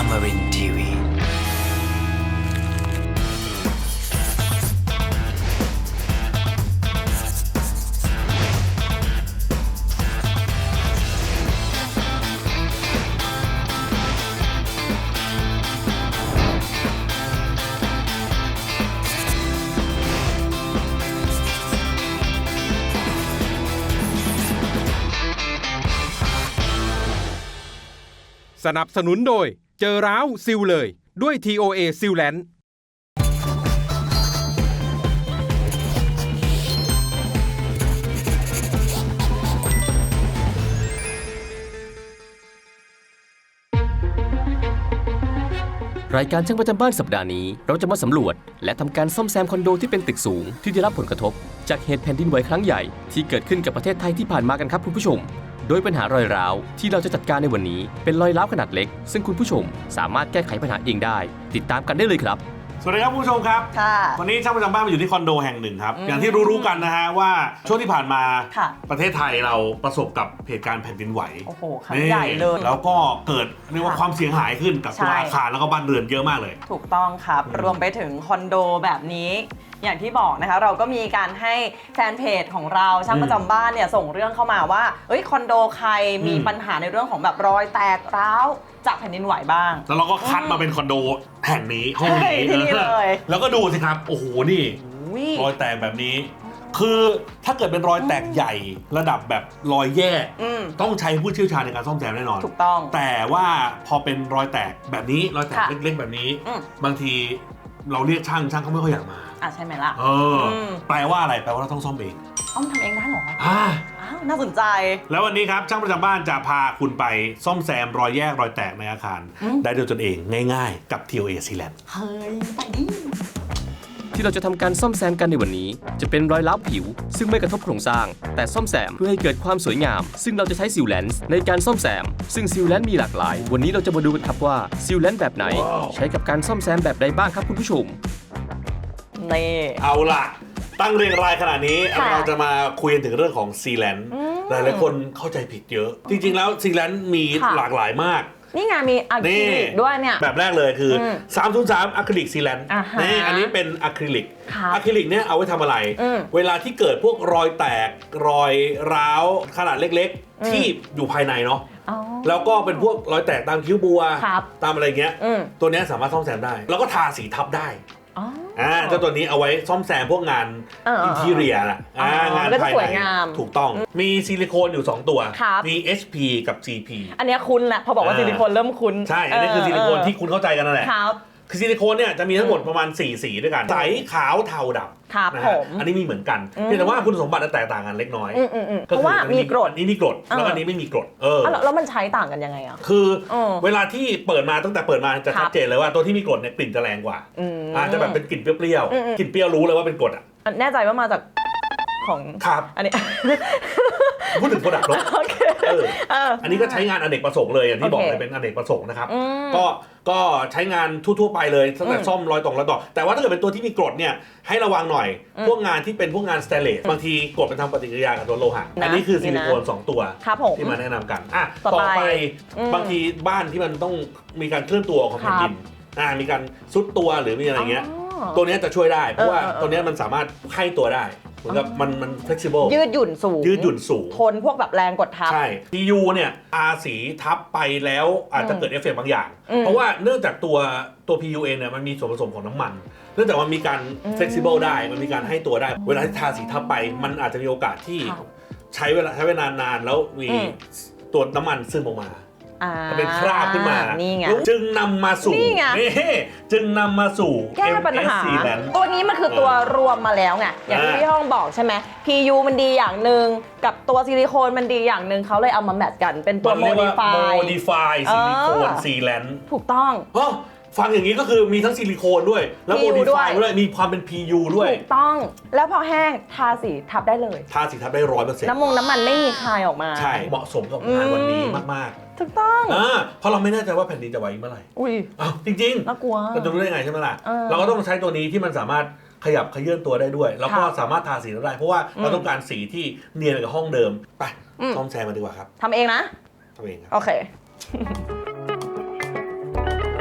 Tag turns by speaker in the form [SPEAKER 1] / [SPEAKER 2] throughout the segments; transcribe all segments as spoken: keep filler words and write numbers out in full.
[SPEAKER 1] Amarin ที วี
[SPEAKER 2] สนับสนุนโดยเจอร้าวซิลเลยด้วย ที โอ เอ ซิลแลนด์
[SPEAKER 3] รายการช่างประจำบ้านสัปดาห์นี้เราจะมาสำรวจและทำการซ่อมแซมคอนโดที่เป็นตึกสูงที่ได้รับผลกระทบจากเหตุแผ่นดินไหวครั้งใหญ่ที่เกิดขึ้นกับประเทศไทยที่ผ่านมากันครับคุณผู้ชมโดยปัญหารอยร้าวที่เราจะจัดการในวันนี้เป็นรอยร้าวขนาดเล็กซึ่งคุณผู้ชมสามารถแก้ไขปัญหาเองได้ติดตามกันได้เลยครับ
[SPEAKER 4] สวัสดีครับคุณผู้ชมครับ
[SPEAKER 5] ค่ะ
[SPEAKER 4] วันนี้ช่างประจำบ้านมาอยู่ที่คอนโดแห่งหนึ่งครับอย่างที่รู้ๆกันนะฮะว่าช่วงที่ผ่านมาประเทศไทยเราประสบกับเหตุการณ์แผ่นดินไหว
[SPEAKER 5] โอ้โหครั้งใหญ่เลย
[SPEAKER 4] แล้วก็เกิดเรียกว่าความเสียหายขึ้นกับตัวอาคารแล้วก็บ้านเรือนเยอะมากเลย
[SPEAKER 5] ถูกต้องครับรวมไปถึงคอนโดแบบนี้อย่างที่บอกนะคะเราก็มีการให้แฟนเพจของเราช่างประจำบ้านเนี่ยส่งเรื่องเข้ามาว่าเอ้ยคอนโดใครมีปัญหาในเรื่องของแบบรอยแตกร้าวจากแผ่นดินไหวบ้าง
[SPEAKER 4] แล้วเราก็คัดมาเป็นคอนโดแห่งนี้ห้องนี้เลยแล้วก็ดูสิครับโอ้โหนี่รอยแตกแบบนี้คือถ้าเกิดเป็นรอยแตกใหญ่ระดับแบบรอยแยกต้องใช้ผู้เชี่ยวชาญในการซ่อมแซมแน่นอน
[SPEAKER 5] ถูกต้อง
[SPEAKER 4] แต่ว่าพอเป็นรอยแตกแบบนี้รอยแตกเล็กๆแบบนี้บางทีเราเรียกช่างช่างเขาไม่ค่อยอยากมา
[SPEAKER 5] อ่ะใช่ไหมล่ะ
[SPEAKER 4] เออแปลว่าอะไรแปลว่าเราต้องซ่อมเอง
[SPEAKER 5] อ้อมทำเองได้หรอ
[SPEAKER 4] อ่า
[SPEAKER 5] อ้าวน่าสนใจ
[SPEAKER 4] แล้ววันนี้ครับช่างประจำบ้านจะพาคุณไปซ่อมแซมรอยแยกรอยแตกในอาคารได้ด้วยตนเองง่ายๆกับ ที โอ เอ Sealant
[SPEAKER 5] เฮ้ยไปดิ
[SPEAKER 3] ที่เราจะทำการซ่อมแซมกันในวันนี้จะเป็นรอยร้าวผิวซึ่งไม่กระทบโครงสร้างแต่ซ่อมแซมเพื่อให้เกิดความสวยงามซึ่งเราจะใช้ซีลแลนซ์ในการซ่อมแซมซึ่งซีลแลนซ์มีหลากหลายวันนี้เราจะมาดูกันครับว่าซีลแลนซ์แบบไหน wow. ใช้กับการซ่อมแซมแบบใดบ้างครับคุณผู้ชม
[SPEAKER 5] นี่
[SPEAKER 4] เอาล่ะตั้งเรียงรายขนาดนี้เราจะมาคุยถึงเรื่องของซีแลนซ์หลายหลายคนเข้าใจผิดเยอะจริงๆแล้วซีแลนซ์มีหลากหลายมาก
[SPEAKER 5] นี่ไงมีอะคริลิกด้วยเนี่ย
[SPEAKER 4] แบบแรกเลยคือสามศูนย์สามอะคริลิกซีแลนซ์นี่อันนี้เป็นอะคริลิกอะคริลิกเนี่ยเอาไว้ทำอะไรเวลาที่เกิดพวกรอยแตกรอยร้าวขนาดเล็กๆที่อยู่ภายในเนาะแล้วก็เป็นพวกรอยแตกตามคิ้วบัวตามอะไรเงี้ยตัวนี้สามารถซ่อมแซมได้แล้วก็ทาสีทับได้อ่าเจ้าตัวนี้เอาไว้ซ่อมแซมพวกงานอินทีเรียน่ะงานภายในถูกต้องมีซิลิโคนอยู่สองตัวมี เอช พี กับ จี พี
[SPEAKER 5] อันนี้คุ้นแหละพอบอกว่าซิลิโคนเริ่มคุ้น
[SPEAKER 4] ใช่อันนี้คือซิลิโคนที่คุณเข้าใจกันนั่นแหละคือซิลิโคนเนี่ยจะมีทั้งหมดประมาณสี่สีด้วยกันใสขาวเทาดำนะฮะอันนี้มีเหมือนกันเพียงแต่ว่าคุณสมบัติแตกต่างกันเล็กน้อย
[SPEAKER 5] เพราะว่ามีกรด
[SPEAKER 4] นี่มีกรดแล้วอันนี้ไม่มีกรดเออ
[SPEAKER 5] แล้วมันใช้ต่างกันยังไงอ่ะ
[SPEAKER 4] คือเวลาที่เปิดมาตั้งแต่เปิดมาจะชัดเจนเลยว่าตัวที่มีกรดเนี่ยกลิ่นจะแรงกว่าอาจจะแบบเป็นกลิ่นเปรี้ยวๆกลิ่นเปรี้ยวรู้เลยว่าเป็นกรดอ่ะ
[SPEAKER 5] แน่ใจว่ามาจากของ
[SPEAKER 4] ครับ
[SPEAKER 5] อันนี้
[SPEAKER 4] พูดถึงโปรดักต์รถอันนี้ก็ใช้งานอเนกประสงค์เลยอย่างที่บอกเลยเป็นอเนกประสงค์นะครับก็ก็ใช้งานทั่วๆไปเลยตั้งแต่ซ่อมรอยตรงรอยต่อแต่ว่าถ้าเกิดเป็นตัวที่มีกรดเนี่ยให้ระวังหน่อยพวกงานที่เป็นพวกงานสแตนเลสบางทีกรดเป็นทำปฏิกิริยากับตัวโลหะอันนี้คือซิลิโคนสองตัวที่มาแนะนำกันอ่ะต่อไปบางทีบ้านที่มันต้องมีการเคลื่อนตัวของแผ่นดินอ่ามีการซุดตัวหรือมีอะไรเงี้ยตัวนี้จะช่วยได้เพราะว่าตัวนี้มันสามารถไข้ตัวได้เหมือนกับมันมัน flexible
[SPEAKER 5] ยืดหยุ่นสูง
[SPEAKER 4] ยืดหยุ่นสูง
[SPEAKER 5] ทนพวกแบบแรงกดทับ
[SPEAKER 4] ใช่ พี ยู เนี่ยทาสีทับไปแล้วอาจจะเกิดเอฟเฟกต์บางอย่างเพราะว่าเนื่องจากตัวตัว พี ยู เองเนี่ยมันมีส่วนผสมของน้ำมันเนื่องจากมันมีการ flexible ได้มันมีการให้ตัวได้เวลาที่ทาสีทับไปมันอาจจะมีโอกาสที่ใช้เวลาใช้เวลานานแล้วมีตัวน้ำมันซึมออกมาเป็นคราบขึ้นมาจึงนำมาสู่จึงนำมาสู่
[SPEAKER 5] แก้ปัญหาตัวนี้มันคือตัวรวมมาแล้วไงอย่างที่พี่ห้องบอกใช่ไหม พี ยู มันดีอย่างหนึ่งกับตัวซิลิโคนมันดีอย่างหนึ่งเขาเลยเอามาแมทกันเป็นตัว
[SPEAKER 4] modify modify ซิลิโคนซีแลนซ์
[SPEAKER 5] ถูกต้อง
[SPEAKER 4] ฟังอย่างนี้ก็คือมีทั้งซิลิโคนด้วยแล้วโมดิฟายด้วยมีความเป็น พี ยู ด้วย
[SPEAKER 5] ถูกต้องแล้วพอแห้งทาสีทับได้เลย
[SPEAKER 4] ทาสีทับได้ร้อยเปอร์เซ็นต์
[SPEAKER 5] น้ำมงน้ำมันไม่มีคายออกมา
[SPEAKER 4] ใช่เหมาะสมกับงานวันนี้มาก
[SPEAKER 5] ๆถูกต้อง
[SPEAKER 4] อ่าเพราะเราไม่แน่ใจว่าแผ่นดินจะไหวเมื่อไหร่
[SPEAKER 5] อุ้ย
[SPEAKER 4] อ้าวจริงๆ
[SPEAKER 5] น่ากลัว
[SPEAKER 4] เราจะรู้ได้ไงใช่ไหมล่ะเราก็ต้องใช้ตัวนี้ที่มันสามารถขยับขยื่นตัวได้ด้วยแล้วก็สามารถทาสีได้เพราะว่าเราต้องการสีที่เนียนกับห้องเดิมไปซ่อมแซมมาดีกว่าครับ
[SPEAKER 5] ทำเองนะ
[SPEAKER 4] ทำเองครับ
[SPEAKER 5] โอเค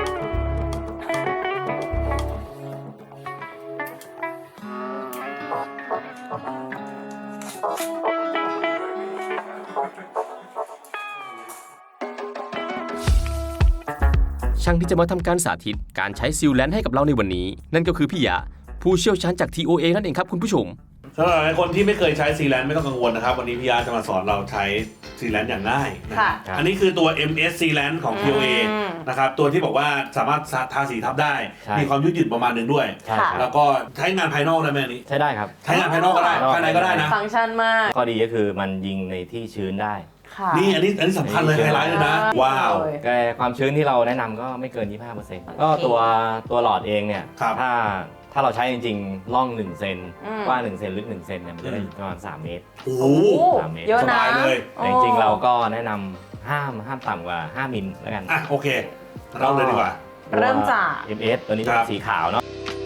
[SPEAKER 3] ช่างที่จะมาทำการสาธิตการใช้ซีลแลนด์ให้กับเราในวันนี้ นั่นก็คือพี่ยะผู้เชี่ยวชาญจาก ที โอ เอ นั่นเองครับคุณผู้ชม
[SPEAKER 4] สำหรับคนที่ไม่เคยใช้ซีแลนด์ไม่ต้องกังวลนะครับวันนี้พี่ยาจะมาสอนเราใช้ซีแลนด์อย่างง่ายนะอันนี้คือตัว เอ็ม เอส Sealant ของ ที โอ เอ นะครับตัวที่บอกว่าสามารถทาสีทับได้มีความยืดหยุ่นประมาณหนึ่งด้วยแล้วก็ใช้งานภายนอกได้ไหมอันนี้
[SPEAKER 1] ใช้ได้ครับ
[SPEAKER 4] ใช้งานภายนอกก็ได้ภายในก็ได้นะ
[SPEAKER 5] ฟังก์ชันมาก
[SPEAKER 1] ข้อดีก็คือมันยิงในที่ชื้นได้
[SPEAKER 4] นี่อันนี้อันนี้สำคัญเลยไฮไลท์เลยนะว้าว
[SPEAKER 1] แต่ความชื้นที่เราแนะนำก็ไม่เกิน ยี่สิบห้าเปอร์เซ็นต์ ก็ตัวตัวหลอดเองเนี่ยถ้าถ้าเราใช้จริงๆล่องหนึ่งเซนกว้างหนึ่งเซนลึกหนึ่งเซนเนี่ยมันจะได้ประมาณสามเมตร
[SPEAKER 4] โอ้โห
[SPEAKER 1] สามเมตร
[SPEAKER 5] เยอะนะ
[SPEAKER 4] เลย
[SPEAKER 1] แต่จริงๆเราก็แนะนำห้ามห้ามต่ำกว่าห้ามิลแล้วกัน
[SPEAKER 4] อ่ะโอเคเริ่มเลยดีกว่า
[SPEAKER 5] เริ่มจาก
[SPEAKER 1] เอ็ม เอส ตัวนี้จะเป็นสีขาวเนาะ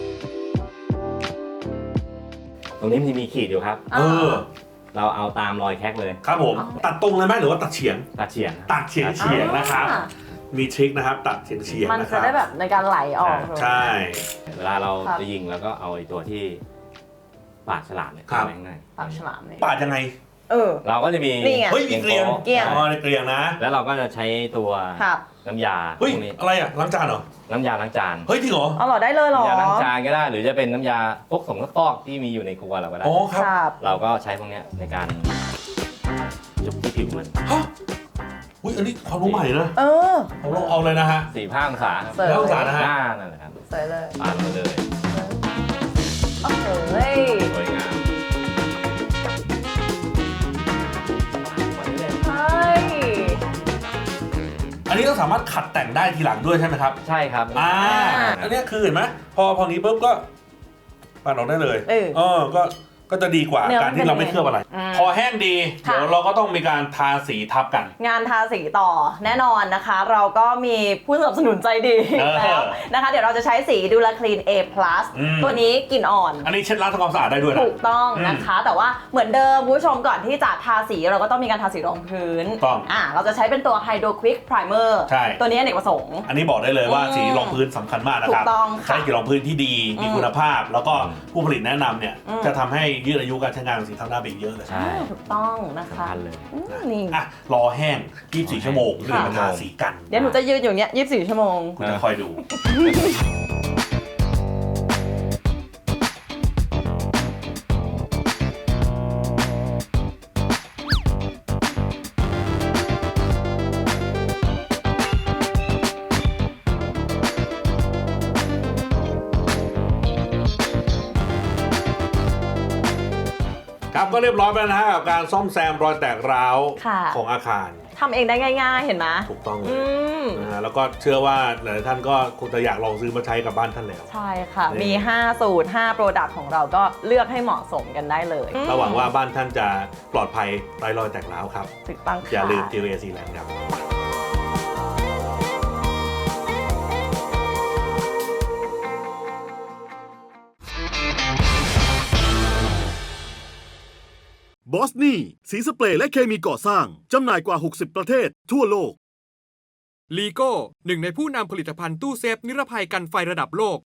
[SPEAKER 1] ตรงนี้มันจะมีขีดอยู่ครับ
[SPEAKER 4] เออ
[SPEAKER 1] เราเอาตามรอยแคกเลย
[SPEAKER 4] ครับผมตัดตรงเลยไหมหรือว่าตัดเฉียง
[SPEAKER 1] ตัดเฉียง
[SPEAKER 4] ตัดเฉียงเฉียงนะครับมีทริคนะครับตัดเฉียงเฉียง
[SPEAKER 5] มันจะได้แบบในการไหลออก
[SPEAKER 4] ใช่
[SPEAKER 1] เวลาเราจะยิงแล้วก็เอาไอ้ตัวที่ปากฉลามเนี่ย
[SPEAKER 4] เข้า
[SPEAKER 1] ไปข้างใน
[SPEAKER 5] ปากฉลามเนี่ย
[SPEAKER 4] ปาดยังไง
[SPEAKER 5] เออ
[SPEAKER 1] เราก็จะมี
[SPEAKER 4] เฮ้ยมีเกลียง
[SPEAKER 5] เกลียง
[SPEAKER 4] อ๋อเกลียงนะ
[SPEAKER 1] แล้วเราก็จะใช้ตัวน้ำยา
[SPEAKER 4] เฮ้ยอะไรอ่ะล้างจานเหรอ
[SPEAKER 1] น้ำยาล้างจาน
[SPEAKER 4] เฮ้ยจริงเหรอ
[SPEAKER 5] อ๋อได้เลยเหรอ
[SPEAKER 1] น้ำยาล้างจานก็ได้หรือจะเป็นน้ำยาพวกสงฟอกที่มีอยู่ในครัวเราก็ได้
[SPEAKER 4] อ๋อครับ
[SPEAKER 1] เราก็ใช้พวกนี้ในการจุบที่ผิวมัน
[SPEAKER 4] ฮะอุ้ยอันนี้ความรู้ใหม่นะ
[SPEAKER 5] เออ
[SPEAKER 4] เอาลงเอาเลยนะฮะ
[SPEAKER 1] สี่ห้าองศา
[SPEAKER 4] สี่ห้าองศานะฮะ
[SPEAKER 1] หน้านั่นแหละครับ
[SPEAKER 5] สวยเลย
[SPEAKER 1] ปาดมาเลย
[SPEAKER 5] โอ้โห
[SPEAKER 1] สวยงาม
[SPEAKER 4] อันนี้ก็สามารถขัดแต่งได้ทีหลังด้วยใช่ไหมครับ
[SPEAKER 1] ใช่ครับ
[SPEAKER 4] อ่าอันนี้คือเห็นไหมพอพอนี้ปุ๊บก็ปาดออกได้เลยเออก็ก็จะดีกว่าการที่เราไม่เคลือบอะไรพอแห้งดีเดี๋ยวเราก็ต้องมีการทาสีทับกัน
[SPEAKER 5] งานทาสีต่อแน่นอนนะคะเราก็มีผู้สนับสนุนใจดีแล้วนะคะเดี๋ยวเราจะใช้สีดูลาคลีน A พลัส ตัวนี้กลิ่นอ่อน
[SPEAKER 4] อันนี้เช็ดล้างทำความสะอาดได้ด้วยนะ
[SPEAKER 5] ถูกต้องนะคะแต่ว่าเหมือนเดิมผู้ชมก่อนที่จะทาสีเราก็ต้องมีการทาสีรองพื้น
[SPEAKER 4] ต้อง
[SPEAKER 5] อ่าเราจะใช้เป็นตัว Hydro Quick Primer
[SPEAKER 4] ใช่
[SPEAKER 5] ตัวนี้อเนกประสงค์
[SPEAKER 4] อันนี้บอกได้เลยว่าสีรองพื้นสำคัญมากนะครับใช้สีรองพื้นที่ดีมีคุณภาพแล้วก็ผู้ผลิตแนะนำเนี่ยจะทำให้ยืดอายุการใช้งานสีทำหน้าไปเยอะเลย
[SPEAKER 1] ใช่
[SPEAKER 5] ถูกต้องนะคะ
[SPEAKER 1] เลย
[SPEAKER 5] นี่
[SPEAKER 4] อ่ะรอแห้งยี่สิบสี่ชั่วโมงเดี๋ยวมาทาสีกัน
[SPEAKER 5] เดี๋ยวหนูจะยืนอยู่เนี้ยยี่สิบสี่ชั่วโมง
[SPEAKER 4] คุณจะคอยดูครับก็เรียบร้อยไปแล้วนะฮะกับการซ่อมแซมรอยแตกร้าวของอาคาร
[SPEAKER 5] ทำเองได้ง่ายๆเห็นไหม
[SPEAKER 4] ถูกต้องเลยนะฮะแล้วก็เชื่อว่าหลายท่านก็คงจะอยากลองซื้อมาใช้กับบ้านท่านแล้ว
[SPEAKER 5] ใช่ค่ะมีห้าสูตรห้าโปรดักต์ของเราก็เลือกให้เหมาะสมกันได้เลย
[SPEAKER 4] ระหวังว่าบ้านท่านจะปลอดภัยไร้รอยแตกร้าวครับ
[SPEAKER 5] ถูกต้อง
[SPEAKER 4] อย่าลืม ที โอ เอ Sealant ครับ
[SPEAKER 6] บอสนี่สีสเปรย์และเคมีก่อสร้างจำหน่ายกว่าหกสิบประเทศทั่วโลก
[SPEAKER 2] ลีโก้หนึ่งในผู้นำผลิตภัณฑ์ตู้เซฟนิรภัยกันไฟระดับโลก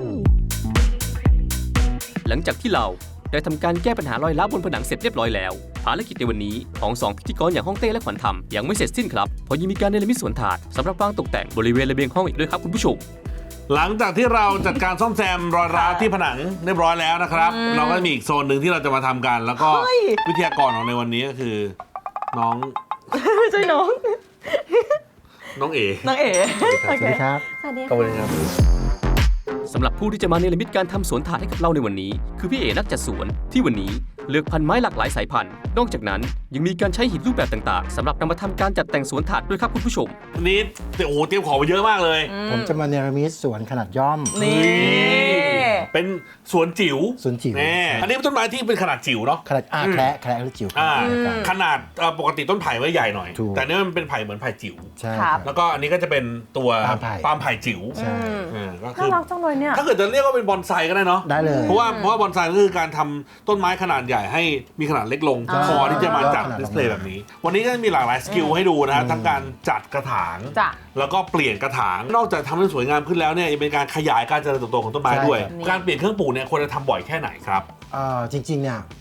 [SPEAKER 3] หลังจากที่เราได้ทำการแก้ปัญหารอยร้าวบนผนังเสร็จเรียบร้อยแล้วภารกิจในวันนี้ของสองพิธีกรอย่างฮ่องเต้และขวัญธรรมยังไม่เสร็จสิ้นครับเพราะยังมีการเนรมิตสวนถาดสำหรับวางตกแต่งบริเวณระเบียงห้องอีกด้วยครับคุณผู้ชม
[SPEAKER 4] หลังจากที่เราจัดการซ่อมแซมรอยร้าวที่ผนังเรียบร้อยแล้วนะครับเราก็มีอีกโซนหนึ่งที่เราจะมาทำกันแล้วก็วิทยากรของในวันนี้ก็คือน้อง
[SPEAKER 5] ไม่ใช่น้อง
[SPEAKER 4] น้องเอ๋
[SPEAKER 5] น้องเอ๋
[SPEAKER 7] สวัสดีครับ
[SPEAKER 5] สวัสดี
[SPEAKER 4] ครับ
[SPEAKER 3] สำหรับผู้ที่จะมาเนรมิตการทำสวนถาดให้กับเราในวันนี้คือพี่เอ๋นักจัดสวนที่วันนี้เลือกพันไม้หลากหลายสายพันธุ์นอกจากนั้นยังมีการใช้หินรูปแบบต่างๆสำหรับนำมาทำการจัดแต่งสวนถาดด้วยครับคุณผู้ชม
[SPEAKER 4] วันนี้โอ้โหเตรียมของมาเยอะมากเลย
[SPEAKER 7] ผมจะมาเนรมิตสวนขนาดย่อม
[SPEAKER 5] นี่
[SPEAKER 4] เป็นสวนจิ๋ว
[SPEAKER 7] สวนจิ๋ว
[SPEAKER 4] อันนี้เป็นต้นไม้ที่เป็นขนาดจิ๋วเนาะ
[SPEAKER 7] ขนาดอาแคระแคระหรือจิ๋ว
[SPEAKER 4] ขนาดปกติต้นไผ่ไว้ใหญ่หน่อยแต่นี่มันเป็นไผ่เหมือนไผ่จิ๋ว
[SPEAKER 7] ใช่
[SPEAKER 4] แล้วก็อันนี้ก็จะเป็นตัวปาล์มไผ่จิ๋ว
[SPEAKER 5] ก็คือน่ารักจังเลยเนี่ย
[SPEAKER 4] ถ้าเกิดจะเรียกว่าเป็นบอนไซก็ได้เนาะ
[SPEAKER 7] ได้เลย
[SPEAKER 4] เพราะว่าเพราะว่าบอนไซก็คือการทำต้นไม้ขนาดใหญ่ให้มีขนาดเล็กลงพอที่จะมาจัดดิสเพลย์แบบนี้วันนี้ก็มีหลากหลายสกิลให้ดูนะฮะทั้งการจัดกระถางแล้วก็เปลี่ยนกระถางนอกจากทำให้สวยงามขึ้นแล้วเนี่ยยังเป็นการขยายการเจริญเติบโตของต้นไม้ด้วยการเปลี่ยนเครื่องปลูกเนี่ยควรจะทำบ่อยแค่ไหนครับ
[SPEAKER 7] จริงๆเนี่ย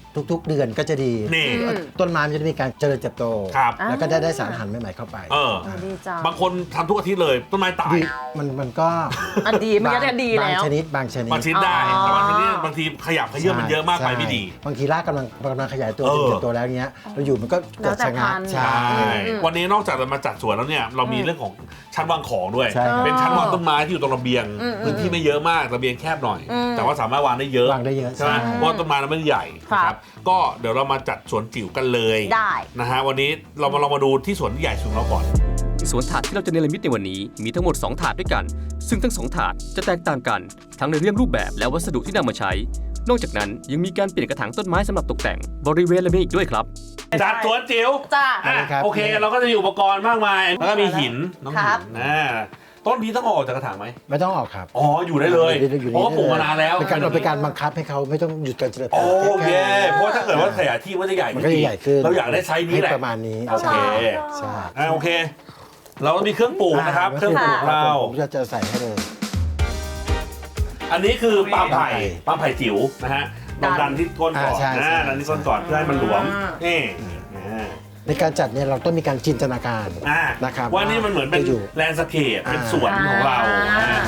[SPEAKER 7] ทุกๆ เดือนก็จะดี
[SPEAKER 4] นี่
[SPEAKER 7] ต้นไม้มันจะมีการเจริญเติบโต
[SPEAKER 4] ครับ
[SPEAKER 7] แล้วก็ได้ได้สารอาหารใหม่ๆเข้าไป
[SPEAKER 4] เออ
[SPEAKER 5] ดีจัง
[SPEAKER 4] บางคนทำทุกอาทิตย์เลยต้นไม้ตาย
[SPEAKER 7] ดีมันมันก็
[SPEAKER 5] อันดีมันก็จะดี
[SPEAKER 7] บาง
[SPEAKER 5] แล้ว
[SPEAKER 7] ชนิดบางชนิด
[SPEAKER 4] บางชนิดได้
[SPEAKER 5] อ๋อ
[SPEAKER 4] แต่บางชนิดบางทีขยับขยื่นมันเยอะมากไป
[SPEAKER 7] ใช่
[SPEAKER 4] ไม่ดี
[SPEAKER 7] บางทีรากกำลังกำลังขยายตัว
[SPEAKER 4] เออ
[SPEAKER 7] เติบโตแล้วเนี้ยเราอยู่มันก็เกิด
[SPEAKER 5] แล้วแต่
[SPEAKER 7] ชะงัก
[SPEAKER 5] พันธุ์
[SPEAKER 7] ใช่
[SPEAKER 4] ใช่วันนี้นอกจากเรามาจัดสวนแล้วเนี่ยเรามีเรื่องของชั้นวางของด้วย
[SPEAKER 7] ใช่ครับ
[SPEAKER 4] เป็นชั้นวางต้นไม้ที่อยู่ตรงระเบียง
[SPEAKER 5] อืม
[SPEAKER 4] พื้นที่ไม่เยอะมากระเบียงแคบหน่อย
[SPEAKER 5] อืม
[SPEAKER 4] แต่ว่าสามารถวางได้เยอะ
[SPEAKER 7] วางได้เยอะ
[SPEAKER 4] ใช่ไหม
[SPEAKER 7] ใช่
[SPEAKER 4] เพราะต้นไม้นั้นไม่ได้ใหญ่
[SPEAKER 5] ครับ
[SPEAKER 4] นะครับก็เดี๋ยวเรามาจัดสวนจิ๋วกันเลย
[SPEAKER 5] ได้
[SPEAKER 4] นะฮะวันนี้เรามาลองมาดูที่สวนที่ใหญ่สุดของเราก่อน
[SPEAKER 3] สวนถาดที่เราจะเนรมิตในวันนี้มีทั้งหมดสองถาดด้วยกัน ซึ่งทั้งสองถาดจะแตกต่างกัน ทั้งในเรื่องรูปแบบและวัสดุที่นำมาใช้ นอกจากนั้นยังมีการเปลี่ยนกระถางต้นไม้สำหรับตกแต่งบริเวณระเบียงอีกด้วยครับ
[SPEAKER 4] จัดสวนจิ๋ว
[SPEAKER 5] จ้า
[SPEAKER 4] อ่ะ
[SPEAKER 7] ครับ
[SPEAKER 4] โอเคเราก็จะมีอุปกรณ์มากมายแล้วก็มีหินน้อง
[SPEAKER 5] ค
[SPEAKER 4] หิ
[SPEAKER 5] รับ
[SPEAKER 4] นนะต้นนี้ต้องเอาออกจากกระถางไหม
[SPEAKER 7] ไม่ต้องออกครับ
[SPEAKER 4] อ๋ออยู่ได้เลย
[SPEAKER 7] อยู่ได้อยู่
[SPEAKER 4] เพราะว่าปลูกมานานแล้ว
[SPEAKER 7] เป็นการเป็นการบังคับให้เขาไม่ต้องหยุดการเจริญ
[SPEAKER 4] โอ
[SPEAKER 7] เติบโต
[SPEAKER 4] เค เพราะว่าถ้าเกิดว่าขยายที่มันจะใหญ่
[SPEAKER 7] มันก็จะใหญ่ขึ้น
[SPEAKER 4] เราอยากได้ไซส์นี้แหละ
[SPEAKER 7] ให้ประมาณนี้
[SPEAKER 4] โอเค
[SPEAKER 7] ใช่
[SPEAKER 4] อ่ะโอเค เราก็มีเครื่องปลูกนะครับ เครื่องปลูกเรา
[SPEAKER 7] ผมจะจะใส่ให้เลย
[SPEAKER 4] อันนี้คือปาล์มไผ่ปาล์มไผ่จิ๋วนะฮะลองดันที่ก้นก่อน
[SPEAKER 7] อ่าใช่ใช่
[SPEAKER 4] นะดันที่ก้นก่อนเพื่อให้มันหลวม นี่อ่า
[SPEAKER 7] ในการจัดเนี่ยเราต้องมีการจินตนาการ
[SPEAKER 4] อ่า
[SPEAKER 7] นะครับ
[SPEAKER 4] ว่านี่มันเหมือนเป็น
[SPEAKER 7] จะอยู่
[SPEAKER 4] แลนด์สเคปเป็น
[SPEAKER 7] อ่า
[SPEAKER 4] สวนของเรา
[SPEAKER 5] อ่า
[SPEAKER 4] อ่า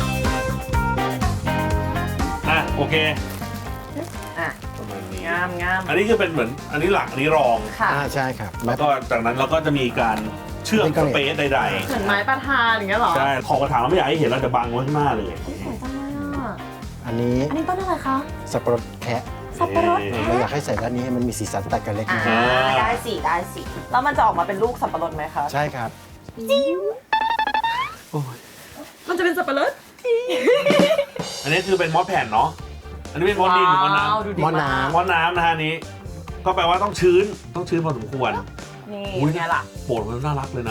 [SPEAKER 4] อ่ะโอเค
[SPEAKER 5] อ่ะ
[SPEAKER 4] ประมาณนี้
[SPEAKER 5] งามงาม
[SPEAKER 4] อันนี้คือเป็นเหมือนอันนี้หลักอันนี้รอง
[SPEAKER 5] ค่ะ
[SPEAKER 7] อ่าใช่ครับ
[SPEAKER 4] แล้วก็จากนั้นเราก็จะมีการเชื่อม
[SPEAKER 7] เป็น
[SPEAKER 4] ส
[SPEAKER 7] กระเห
[SPEAKER 4] เป
[SPEAKER 7] ล็ก
[SPEAKER 4] ซใด
[SPEAKER 5] เหมือนไม้ประทานอย่างเงี้ยเหรอ
[SPEAKER 4] ๆใช่ขอบกระถางเราไม่อยากให้เห็นเราจะบังไว้ข้างหน้าเลย
[SPEAKER 5] สวยจังเลยอ่ะ
[SPEAKER 7] อันนี้
[SPEAKER 5] อันนี้ต้นอะไรคะ
[SPEAKER 7] สับปะรดแคะ
[SPEAKER 5] สับปะรด
[SPEAKER 4] นี่
[SPEAKER 7] เราอยากให้ใส่ด้านนี้ให้มันมีสีสันตัดกันเล็ก
[SPEAKER 5] อ่า
[SPEAKER 7] น้อย
[SPEAKER 5] ได้สิได้สิแล้วมันจะออกมาเป็นลูกสับปะรดไหมคะ
[SPEAKER 7] ใช่ครับ
[SPEAKER 5] มันจะเป็นสับปะรด
[SPEAKER 4] อันนี้คือเป็นมอสแผ่นเนาะอันนี้เป็นมอสดินหรือมอสน้
[SPEAKER 5] ว้าวดูดี
[SPEAKER 7] มอ
[SPEAKER 5] มาก
[SPEAKER 7] น้
[SPEAKER 4] ำมอสน้ำนะฮะอันนี้ ก็แปลว่าต้องชื้นต้องชื้นพอสมควร
[SPEAKER 5] นี่
[SPEAKER 4] อุ๊ย
[SPEAKER 5] ไงล่ะ
[SPEAKER 4] โปดมันน่ารักเลยนะ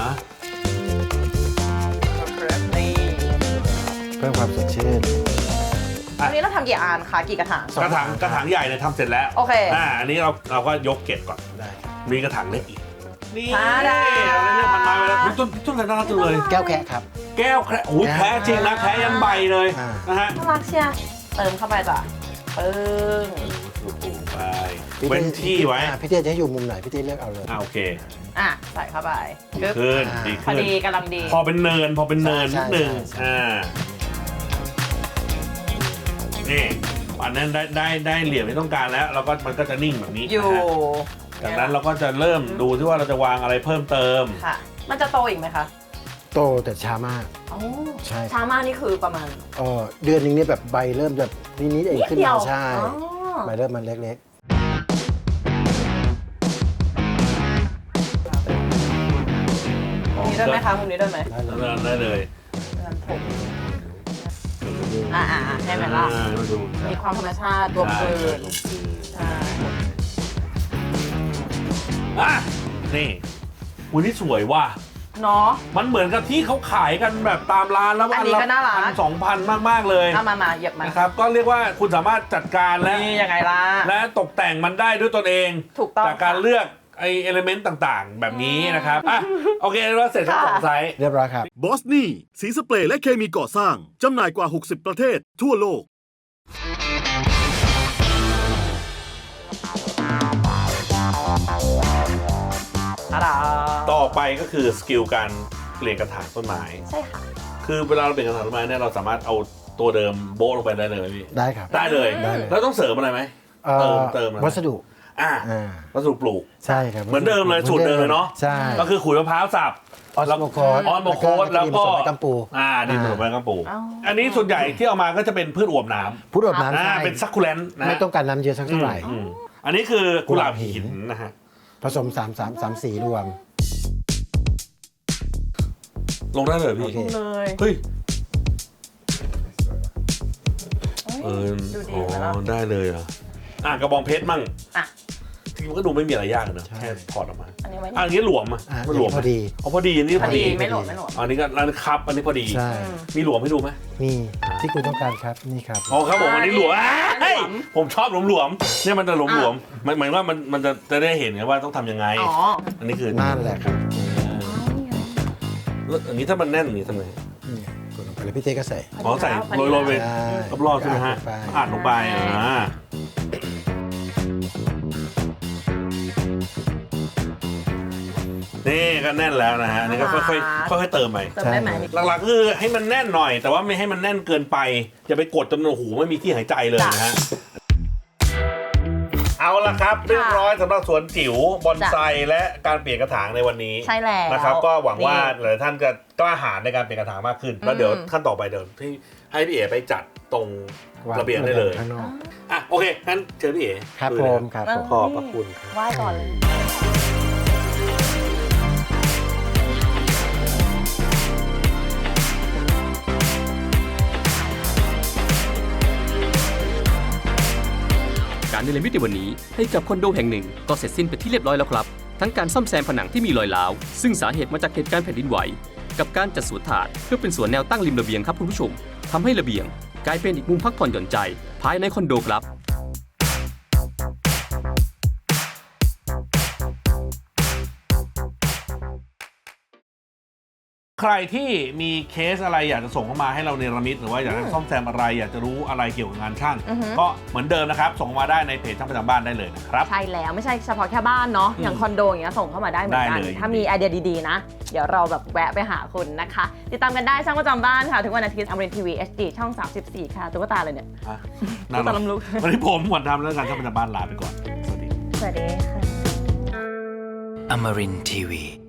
[SPEAKER 5] นี่
[SPEAKER 7] เพิ่มความสดชื่น
[SPEAKER 5] วันนี้เราทำกี่อันคะกี่กระถาง
[SPEAKER 7] สอง
[SPEAKER 4] กระถางกระถางใหญ่เนี่ยทำเสร็จแล้ว
[SPEAKER 5] โอเค
[SPEAKER 4] อ่าอันนี้เราเราก็ยกเก็บก่อน
[SPEAKER 7] ได้ครับ
[SPEAKER 4] มีกระถางเล็กอีกนี่
[SPEAKER 5] อ่าได้
[SPEAKER 4] เราเรียกพันไม้ไปแล้วต้นต้นอะไรน่ารักจังเลย
[SPEAKER 7] แก้วแคะครับ
[SPEAKER 4] แก้วแคระโอ้ย
[SPEAKER 7] แก้ว
[SPEAKER 4] แพ้จริงนะแพ้ยันใบเลย
[SPEAKER 7] อ่า
[SPEAKER 4] นะฮะ
[SPEAKER 5] น่ารักเชียร์เติมเข้าไปจ้ะปึ้ง
[SPEAKER 4] ถูกไปเว้นที่ไว้
[SPEAKER 7] อ่าพี่เต้จะให้อยู่มุมไหนพี่เต้เลือกเอาเลย
[SPEAKER 4] อ่าโอเค
[SPEAKER 5] อ่ะใส่เข้าไปกึ๊บ
[SPEAKER 4] ขึ้น
[SPEAKER 7] อ่า
[SPEAKER 4] ดี
[SPEAKER 5] พอ
[SPEAKER 4] ขึ้น
[SPEAKER 5] ดีกำลังดี
[SPEAKER 4] พอเป็นเนินพอเป็นเนิน
[SPEAKER 7] ใช่
[SPEAKER 4] นิดนึง
[SPEAKER 7] ใช่ใช่
[SPEAKER 4] อ่านี่อันนั้นได้ได้ได้เหลี่ยมที่ต้องการแล้วเราก็มันก็จะนิ่งแบบนี้
[SPEAKER 5] อยู่
[SPEAKER 4] นะฮะจากนั้นเราก็จะเริ่มดูที่ว่าเราจะวางอะไรเพิ่มเติม
[SPEAKER 5] ค่ะ มันจะโตอีกไหมคะ
[SPEAKER 7] โตแต่ช้ามาก
[SPEAKER 5] โอ้
[SPEAKER 7] ใช่
[SPEAKER 5] ช้ามากนี่คือประมาณ
[SPEAKER 7] เออเดือนหนึงเนี่ยแบบใบเริ่มแบบนิดๆเอง
[SPEAKER 5] นิด
[SPEAKER 7] ขึ้น
[SPEAKER 5] เดีย
[SPEAKER 7] มาว ใช่
[SPEAKER 5] อ๋อ
[SPEAKER 7] ใบเริ่มมันเล็ก
[SPEAKER 5] มุมนี้ด้วยไหมคะมุมนี้ด้วยไหม
[SPEAKER 7] ๆ ได้เลย
[SPEAKER 4] ได้เลย
[SPEAKER 5] เดินผมอ่าอ่าอ่าให้ไหมล่ะ
[SPEAKER 4] อ่ามาดู
[SPEAKER 5] มีความธรรมชาติรวมกลืนใช่
[SPEAKER 4] อ่ะนี่วันนี้สวยว่ะ
[SPEAKER 5] เนาะ
[SPEAKER 4] มันเหมือนกับที่เขาขายกันแบบตามร้านแล้ว
[SPEAKER 5] อันนี้ก็น่ารัก
[SPEAKER 4] พันสองพันมากๆเลย
[SPEAKER 5] เอามามาเหยียบมา
[SPEAKER 4] นะครับก็เรียกว่าคุณสามารถจัดการและ
[SPEAKER 5] นี่ยังไงล่ะ
[SPEAKER 4] และตกแต่งมันได้ด้วยตนเอง
[SPEAKER 5] ถูกต้อง
[SPEAKER 4] จากการ
[SPEAKER 5] ค่ะ
[SPEAKER 4] เลือกไอเอลิเมนต์ต่างๆ แบบนี้นะครับอ่ะโอเคเราเสร็จทั้งสองไซส์
[SPEAKER 7] เรียบร้อยครับ
[SPEAKER 6] บอสนี่สีสเปรย์และเคมีก่อสร้าง จำหน่ายกว่า หกสิบ ประเทศ ทั่วโลก
[SPEAKER 5] อะดา
[SPEAKER 4] ต่อไปก็คือสกิลการเปลี่ยนกระถางต้นไม้
[SPEAKER 5] ใช่ค่ะ
[SPEAKER 4] คือเวลาเราเปลี่ยนกระถางต้นไม้เนี่ยเราสามารถเอาตัวเดิมโบ๊ะลงไปได้เลยไหมพี่
[SPEAKER 7] ได้ครับ
[SPEAKER 4] ได้เลย
[SPEAKER 7] ได้เลย
[SPEAKER 4] แล้วต้องเสริมอะไรไหม
[SPEAKER 7] เอ่อ
[SPEAKER 4] เติมเติมอะไร
[SPEAKER 7] วัสดุ
[SPEAKER 4] อ่า
[SPEAKER 7] อ่า
[SPEAKER 4] วัสดุปลูก
[SPEAKER 7] ใช่ครับ
[SPEAKER 4] เหมือนเดิมเลยสูตรเดิมเลยเนาะ
[SPEAKER 7] ใช่
[SPEAKER 4] ก็คือขุยมะพร้าวสับ
[SPEAKER 7] ออสโมโคส
[SPEAKER 4] ออสโมโคสแล้วก็
[SPEAKER 7] ผสมกับกัมปู
[SPEAKER 4] อ่าดินผสมกับกัมปู
[SPEAKER 5] อ้าว
[SPEAKER 4] อันนี้ส่วนใหญ่ที่เอามาก็จะเป็นพืชอวบน้ำ
[SPEAKER 7] พุทธอบน้ำ
[SPEAKER 4] อ่า
[SPEAKER 7] ใช่
[SPEAKER 4] เป็นซักคูแลนต์นะ
[SPEAKER 7] ไม่ต้องการน้ำเยอะสักเท่าไหร่
[SPEAKER 4] อืมอันนี้คือกุหลาบหินนะฮะ
[SPEAKER 7] ผสมสามสามสามสีรวม
[SPEAKER 4] ลงได้เลยพี่
[SPEAKER 7] โอเค
[SPEAKER 5] เลย
[SPEAKER 4] เฮ้ยเออ
[SPEAKER 5] ดูดี
[SPEAKER 4] อ๋อ
[SPEAKER 5] ไหมล่ะ
[SPEAKER 4] ได้เลยเหรอ่ะอ่ะกระบองเพชรมั่ง
[SPEAKER 5] อ่ะ
[SPEAKER 4] จริงๆมันก็ดูไม่มีอะไรยากเลยเนอะ
[SPEAKER 7] ใช่
[SPEAKER 4] แค่ถอดออกมา
[SPEAKER 5] อันนี้ไว้
[SPEAKER 4] อะ
[SPEAKER 5] นี่
[SPEAKER 4] อันนี้หลวมอ่ะ
[SPEAKER 7] อ่า
[SPEAKER 4] มันหลวม
[SPEAKER 7] พอดี
[SPEAKER 4] อ๋อพอดีอันนี้
[SPEAKER 5] พ
[SPEAKER 4] พ
[SPEAKER 5] อ
[SPEAKER 4] อ
[SPEAKER 5] ดี
[SPEAKER 4] ดี
[SPEAKER 5] ไม่หล่นไม่หล่น
[SPEAKER 4] อันนี้ก็ร้านครับอันนี้พอดี
[SPEAKER 7] ใช่
[SPEAKER 5] อืม
[SPEAKER 4] มีหลวมให้ดูไหม
[SPEAKER 7] มีที่คุณต้องการครับนี่ครับ
[SPEAKER 4] อ๋อครับผมอันนี้หลวม
[SPEAKER 5] อันนี้
[SPEAKER 4] เฮ้ย
[SPEAKER 5] หลวม
[SPEAKER 4] ผมชอบหลวมๆเนี่ยมันจะหลวมๆมันหมายว่ามันมันจะจะได้เห็นไงว่าต้องทำยังไง
[SPEAKER 5] อ๋อ
[SPEAKER 4] อันนี้คือ
[SPEAKER 7] นั่นแหละครับ
[SPEAKER 4] แล้วอันนี้ถ้ามันแน่นอย่างนี้ทำไง
[SPEAKER 7] อืมกดลงไปเลยพี่เต้ก็ใส่
[SPEAKER 4] อ๋อใส่
[SPEAKER 5] พอดี
[SPEAKER 4] โรยๆไป
[SPEAKER 7] ใช่
[SPEAKER 4] รอบๆใช่ไหมฮะ
[SPEAKER 7] อั
[SPEAKER 4] อั
[SPEAKER 7] ด
[SPEAKER 4] ด
[SPEAKER 7] ล
[SPEAKER 4] ล
[SPEAKER 7] ง
[SPEAKER 4] ง
[SPEAKER 7] ไป
[SPEAKER 4] ไปอ่านี่ก็แน่นแล้วนะฮะนี่ก็ค่อยๆค่อยๆเติมไป
[SPEAKER 5] เติมได้ไหม
[SPEAKER 4] หลักๆคือให้มันแน่นหน่อย แต่ว่าไม่ให้มันแน่นเกินไปอย่าไปกดจนโอ้โหไม่มีที่หายใจเลยนะฮะเอาละครับเรียบร้อยสำหรับสวนจิ๋วบอนไซและการเปลี่ยนกระถางในวันนี้
[SPEAKER 5] ใช่แล้ว
[SPEAKER 4] นะครับก็หวังว่า
[SPEAKER 5] นี่
[SPEAKER 4] หลายท่านจะกล้าหาญในการเปลี่ยนกระถางมากขึ้นแล้วเดี๋ยวขั้นต่อไปเดี๋ยวที่ให้พี่เอ๋ไปจัดตรงระเบียงได้เลย
[SPEAKER 7] ข้างนอก
[SPEAKER 4] อ่ะโอเคงั้นเชิญพี่เอ๋
[SPEAKER 7] ครับ
[SPEAKER 4] ลุย
[SPEAKER 7] ผ
[SPEAKER 4] เลย
[SPEAKER 7] มครับผม
[SPEAKER 4] ขอบพระคุณครับ
[SPEAKER 5] ไหว้ก่อนเลย
[SPEAKER 3] การเนรมิตในวันนี้ให้กับคอนโดแห่งหนึ่งก็เสร็จสิ้นไปที่เรียบร้อยแล้วครับ ทั้งการซ่อมแซมผนังที่มีรอยร้าวซึ่งสาเหตุมาจากเหตุการณ์แผ่นดินไหวกับการจัดสวนถาดเพื่อเป็นสวนแนวตั้งริมระเบียงครับคุณผู้ชมทำให้ระเบียงกลายเป็นอีกมุมพักผ่อนหย่อนใจภายในคอนโดครับ
[SPEAKER 4] ใครที่มีเคสอะไรอยากจะส่งเข้ามาให้เราเนรมิตหรือว่าอยากจะซ่อมแซมอะไรอยากจะรู้อะไรเกี่ยวกับงานช่าง
[SPEAKER 5] อือฮึ
[SPEAKER 4] ก็เหมือนเดิมนะครับส่งมาได้ในเพจช่างประจำบ้านได้เลยนะครับ
[SPEAKER 5] ใช่แล้วไม่ใช่เฉพาะแค่บ้านเนาะอย่างคอนโดอย่างเงี้ยส่งเข้ามาได้เหมือนกัน
[SPEAKER 4] ได้เลย
[SPEAKER 5] ถ้ามีไอเดียดีๆนะ เดี๋ยวเราแบบแวะไปหาคุณนะคะ ติดตามกันได้ช่างประจำบ้านค่ะ ทุกวันอาทิตย์อมรินทีวี เอช ดี ช่อง สามสิบสี่ ค่ะตุ๊กตาเลยเนี่ย
[SPEAKER 4] อ่ะ
[SPEAKER 5] ตุ๊กตาลำลุก
[SPEAKER 4] วันนี้ผมหวันทำแล้วกันช่างประจำบ้านลาไปก่อนสวัสดี
[SPEAKER 5] สวัสดีค่ะ
[SPEAKER 8] Amarin Tiwi.